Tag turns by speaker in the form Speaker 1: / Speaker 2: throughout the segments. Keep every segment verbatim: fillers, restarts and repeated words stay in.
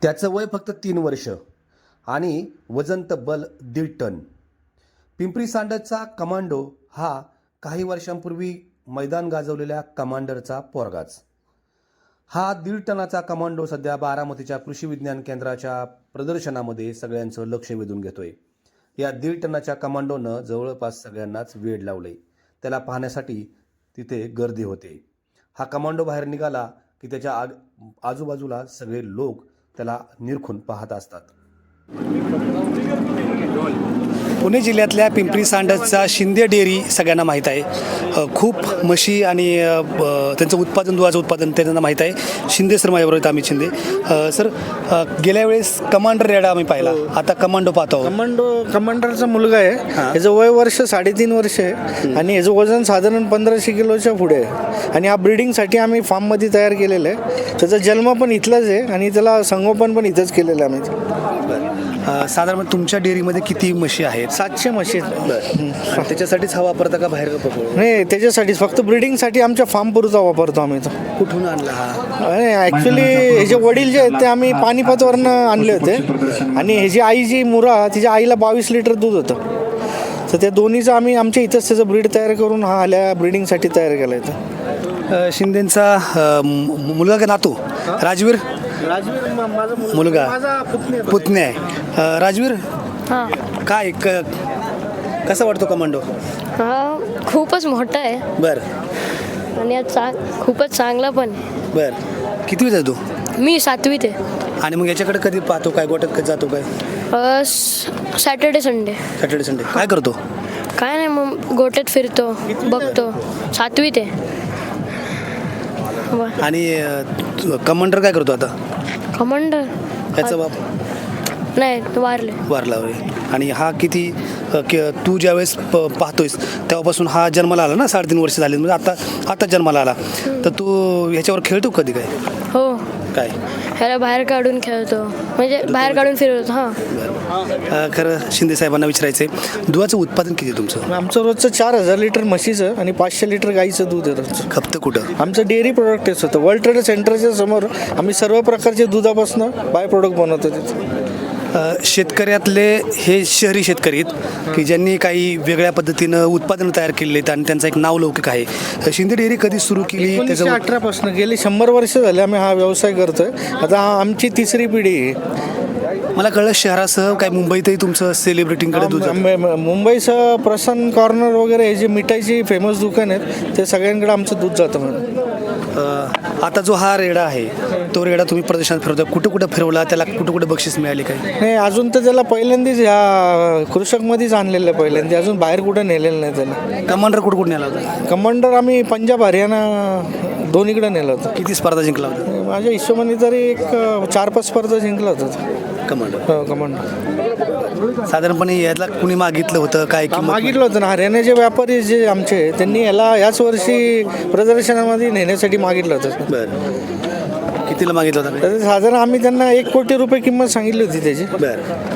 Speaker 1: त्याचं वय फक्त तीन वर्ष आणि वजन तब्बल दीड टन. पिंपरी सांडचा कमांडो हा काही वर्षांपूर्वी मैदान गाजवलेल्या कमांडरचा पोरगाच. हा दीड टनाचा कमांडो सध्या बारामतीच्या कृषी विज्ञान केंद्राच्या प्रदर्शनामध्ये सगळ्यांचं लक्ष वेधून घेतोय. या दीड टनाच्या कमांडोनं जवळपास सगळ्यांनाच वेड लावलंय. त्याला पाहण्यासाठी तिथे गर्दी होते. हा कमांडो बाहेर निघाला की त्याच्या आग आजूबाजूला सगळे लोक त्याला निरखून पाहत असतात.
Speaker 2: पुणे जिल्ह्यातल्या पिंपरी सांडचा शिंदे डेअरी सगळ्यांना माहीत आहे. खूप म्हशी आणि त्यांचं उत्पादन दुधाचं उत्पादन त्यांना माहीत आहे. शिंदे सर माझ्याबरोबर आहेत, अमित शिंदे सर. गेल्या वेळेस कमांडर रेडा आम्ही पाहिला, आता कमांडो पाहतो.
Speaker 3: कमांडो कमांडरचा मुलगा आहे. याचं वय वर्ष साडेतीन वर्ष आहे आणि याचं वजन साधारण पंधराशे किलोच्या पुढे आहे. आणि हा ब्रीडिंगसाठी आम्ही फार्ममध्ये तयार केलेलं आहे. त्याचा जन्म पण इथलाच आहे आणि त्याला संगोपन पण इथंच केलेलं आहे आम्ही.
Speaker 2: साधारण तुमच्या डेअरीमध्ये किती म्हशी आहेत?
Speaker 3: सातशे म्हशी आहेत.
Speaker 2: त्याच्यासाठीच हा वापरता का बाहेर का?
Speaker 3: नाही, त्याच्यासाठीच फक्त ब्रीडिंगसाठी आमच्या फार्म पुरता वापरतो आम्ही. तो
Speaker 2: कुठून आणला हा?
Speaker 3: ॲक्च्युली हे जे वडील जे आहेत ते आम्ही पानिपतवरनं आणले होते आणि ह्याची आई जी मुरा, तिच्या आईला बावीस लिटर दूध होतं. तर त्या दोन्हीचं आम्ही आमच्या इथंच त्याचं ब्रीड तयार करून हा आल्या ब्रीडिंगसाठी तयार केला आहे.
Speaker 2: शिंदेंचा मुलगा का नातू राजवीर?
Speaker 3: राजवीर माझा
Speaker 2: मुलगा, पुतणे आहे. राजवीर,
Speaker 4: हां,
Speaker 2: काय क कसा वाटतो कमांडो?
Speaker 4: हा खूपच मोठा आहे.
Speaker 2: बरं.
Speaker 4: आणि आज चांग खूपच चांगला पण आहे.
Speaker 2: बरं. कितवीत आहे तू?
Speaker 4: मी सातवीत आहे.
Speaker 2: आणि मग याच्याकडे कधी पाहतो काय? गोट्यात कधी जातो काय?
Speaker 4: Saturday Sunday.
Speaker 2: सॅटर्डे संडे काय करतो?
Speaker 4: काय नाही, मग गोट्यात फिरतो, बघतो. सातवीत आहे. बरं.
Speaker 2: आणि कमांडर काय करतो आता?
Speaker 4: कमांडर
Speaker 2: याचा बाप
Speaker 4: नाही, वारले.
Speaker 2: वारला होय. आणि हा किती तू ज्यावेळेस प पाहतोयस तेव्हापासून हा जन्माला आला ना? साडेतीन वर्ष झाली, म्हणजे आता आता जन्माला आला. तर तू ह्याच्यावर खेळतो कधी काय?
Speaker 4: हो,
Speaker 2: काय
Speaker 4: ह्याला बाहेर काढून खेळतो, म्हणजे बाहेर काढून फिरवतो. हां,
Speaker 2: खरं शिंदे साहेबांना विचारायचं आहे, दुधाचं उत्पादन किती तुमचं?
Speaker 3: आमचं रोजचं चार हजार लिटर म्हशीचं आणि पाचशे लिटर गाईचं दूध आहे रोजचं.
Speaker 2: खपतं कुठं?
Speaker 3: आमचं डेअरी प्रोडक्टच होतं. वर्ल्ड ट्रेड सेंटरच्या समोर आम्ही सर्व प्रकारचे दुधापासून बाय प्रोडक्ट बनवतो तिथे.
Speaker 2: शेतकऱ्यातले हे शहरी शेतकरी आहेत की ज्यांनी काही वेगळ्या पद्धतीनं उत्पादनं तयार केलेली आहेत आणि त्यांचा एक नावलौकिक आहे. शिंदे डेअरी कधी सुरू केली?
Speaker 3: एकोणीसशे अठरापासून गेली शंभर वर्ष झाले आम्ही हा व्यवसाय करतोय. आता हा आमची तिसरी पिढी आहे.
Speaker 2: मला कळलं शहरासह काय मुंबईतही तुमचं सेलिब्रिटींकडे दूध
Speaker 3: मुं- मुंबईसह प्रसन्न कॉर्नर वगैरे हे जे मिठाईची फेमस दुकान आहेत ते सगळ्यांकडे आमचं दूध जातं. म्हणून
Speaker 2: आता जो हा रेडा आहे तो रेडा तुम्ही प्रदर्शनात फिरवता, कुठं कुठं फिरवला? त्याला कुठं कुठं बक्षीस मिळाली काय?
Speaker 3: नाही, अजून तर त्याला पहिल्यांदाच ह्या कृषकमध्येच आणलेलं आहे. पहिल्यांदा अजून बाहेर कुठं नेलेलं नाही त्याला.
Speaker 2: कमांडर कुठं कुठं नेला होता?
Speaker 3: कमांडर आम्ही पंजाब हरियाणा दोन्हीकडे नेलं होतं.
Speaker 2: किती स्पर्धा जिंकला होता?
Speaker 3: माझ्या हिशोबाने तरी एक चार पाच स्पर्धा जिंकला होता
Speaker 2: कमांडर.
Speaker 3: हो, कमांडर.
Speaker 2: साधारणपणे याला कुणी मागितलं होतं काय? किंमत
Speaker 3: मागितलं होतं ना, हरियाणाचे व्यापारी जे आमचे, त्यांनी याला याच वर्षी प्रदर्शनामध्ये नेण्यासाठी मागितलं होतं.
Speaker 2: बरं. कितीला मागितलं होतं?
Speaker 3: तर साधारण आम्ही त्यांना एक कोटी रुपये किंमत सांगितली होती त्याची.
Speaker 2: बरं.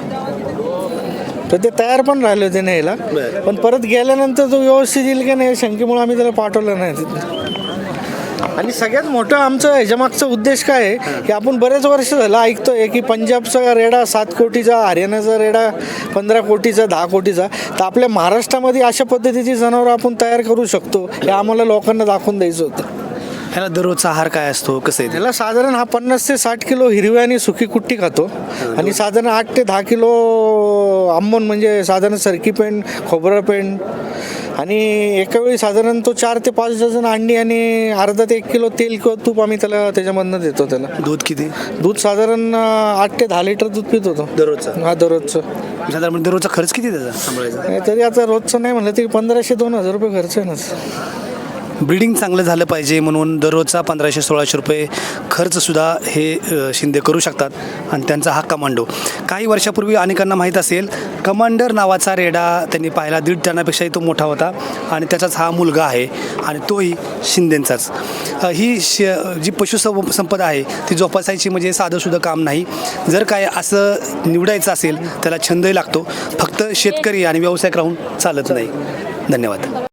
Speaker 3: तर ते तयार पण राहिले होते न्यायला, पण परत गेल्यानंतर तो व्यवस्थित येईल की नाही शंकेमुळे आम्ही त्याला पाठवलं नाही तिथे. आणि सगळ्यात मोठं आमचं ह्याच्यामागचा उद्देश काय आहे की आपण बरेच वर्ष झालं ऐकतोय की पंजाबचा रेडा सात कोटीचा, हरियाणाचा रेडा पंधरा कोटीचा, दहा कोटीचा. तर आपल्या महाराष्ट्रामध्ये अशा पद्धतीची जनावरं आपण तयार करू शकतो हे आम्हाला लोकांना दाखवून द्यायचं होतं.
Speaker 2: ह्याला दररोजचा आहार काय असतो, कसं आहे?
Speaker 3: त्याला साधारण हा पन्नास ते साठ किलो हिरवी आणि सुकी कुट्टी खातो आणि साधारण आठ ते दहा किलो आंबोन, म्हणजे साधारण सरकी पेंड, खोबरं पेंड, आणि एका वेळी साधारण तो चार ते पाच डझन अंडी आणि अर्धा ते एक किलो तेल किंवा तूप आम्ही त्याला त्याच्यामधनं देतो. त्याला
Speaker 2: दूध किती?
Speaker 3: दूध साधारण आठ ते दहा लिटर दूध पित होतो
Speaker 2: दररोजचं.
Speaker 3: हा, दररोजचं.
Speaker 2: साधारण दररोजचा खर्च किती त्याचा सांभाळायचा?
Speaker 3: नाही, तरी आता रोजचं नाही म्हणलं तरी पंधराशे दोन हजार रुपये खर्च आहे ना.
Speaker 2: ब्रीडिंग चांगलं झालं पाहिजे म्हणून दररोजचा पंधराशे सोळाशे रुपये खर्चसुद्धा हे शिंदे करू शकतात. आणि त्यांचा हा कमांडो काही वर्षापूर्वी अनेकांना माहीत असेल, कमांडर नावाचा रेडा त्यांनी पाहिला. दीड टनापेक्षाही तो मोठा होता आणि त्याचाच हा मुलगा आहे आणि तोही शिंदेंचाच. ही श जी पशुसं संपदा आहे ती जोपासायची म्हणजे साधंसुद्धा काम नाही. जर काय असं निवडायचं असेल त्याला छंदही लागतो. फक्त शेतकरी आणि व्यावसायिक राहून चालत नाही. धन्यवाद.